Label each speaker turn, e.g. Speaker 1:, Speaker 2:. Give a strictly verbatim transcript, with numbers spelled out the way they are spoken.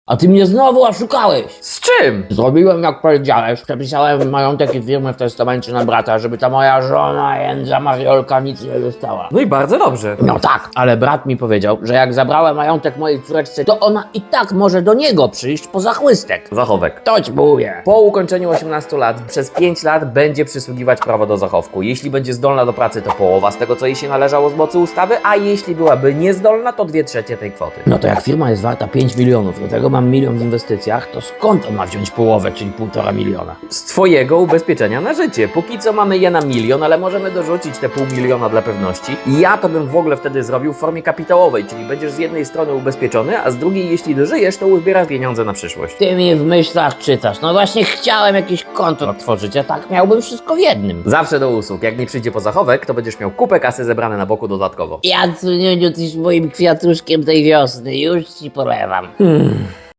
Speaker 1: A ty mnie znowu oszukałeś.
Speaker 2: Z czym?
Speaker 1: Zrobiłem jak powiedziałeś, przepisałem majątek i firmę w testamencie na brata, żeby ta moja żona Jędza Mariolka nic nie dostała.
Speaker 2: No i bardzo dobrze.
Speaker 1: No tak, ale brat mi powiedział, że jak zabrałem majątek mojej córeczce, to ona i tak może do niego przyjść po zachłystek.
Speaker 2: Zachowek.
Speaker 1: To ci mówię.
Speaker 2: Po ukończeniu osiemnastu lat przez pięć lat będzie przysługiwać prawo do zachowku. Jeśli będzie zdolna do pracy, to połowa z tego, co jej się należało z mocy ustawy, a jeśli byłaby niezdolna, to dwie trzecie tej kwoty.
Speaker 1: No to jak firma jest warta pięć milionów, do tego mam milion w inwestycjach, to skąd on ma wziąć połowę, czyli półtora miliona?
Speaker 2: Z twojego ubezpieczenia na życie. Póki co mamy je na milion, ale możemy dorzucić te pół miliona dla pewności. I ja to bym w ogóle wtedy zrobił w formie kapitałowej, czyli będziesz z jednej strony ubezpieczony, a z drugiej, jeśli dożyjesz, to uzbierasz pieniądze na przyszłość.
Speaker 1: Ty mi w myślach czytasz. No właśnie chciałem jakieś konto otworzyć, a tak miałbym wszystko w jednym.
Speaker 2: Zawsze do usług. Jak nie przyjdzie po zachowek, to będziesz miał kupę kasy zebrane na boku dodatkowo.
Speaker 1: Ja, Cuniuniu, tyś moim kwiatuszkiem tej wiosny, już ci polewam. Hmm.